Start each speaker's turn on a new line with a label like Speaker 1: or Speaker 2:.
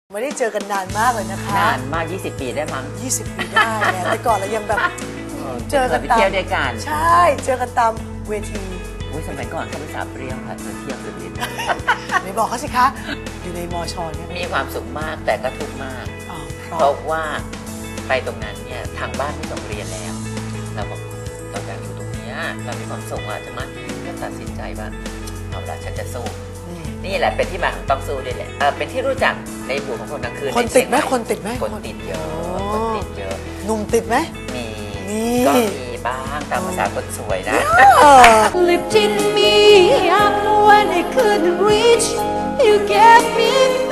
Speaker 1: ไม่ได้เจอกันนานมากเลยนะคะ
Speaker 2: นานมาก20 ปีได้มั้ง
Speaker 1: 20 ปีได้เนี่ยแต่ก่อนเรายังแบบเจอกัน
Speaker 2: ตามเที่ยวด้วยกัน
Speaker 1: ใช่เจอกันตามเวที
Speaker 2: สมัยก่อนเขาเป็นสาวเปรี้ยวค่ะเที่ยวสุดฤทธิ์
Speaker 1: ไม่บอกเขาสิคะอยู่ในมชเนี่ย
Speaker 2: มีความสุขมากแต่ก็ทุกข์มากเพราะว่าไปตรงนั้นเนี่ยทางบ้านไม่ส่งเรียนแล้วเราบอกเราอยากอยู่ตรงนี้เรามีความสุขใช่ไหมก็ตัดสินใจว่าเอาละฉันจะสู้นี่แหละเป็นที่มาของต้องสู้ด้วยแหละเป็นที่รู้จักในหมู่ของคนกลางคืน
Speaker 1: คนติดไหมคนติดไหม
Speaker 2: คนติดเยอะคนติดเยอะ
Speaker 1: หนุ่มติดไหม
Speaker 2: มีก็มีบ้างตามภาษาคนสวยนะ
Speaker 3: Lifting me up when I couldn't reach, you gave me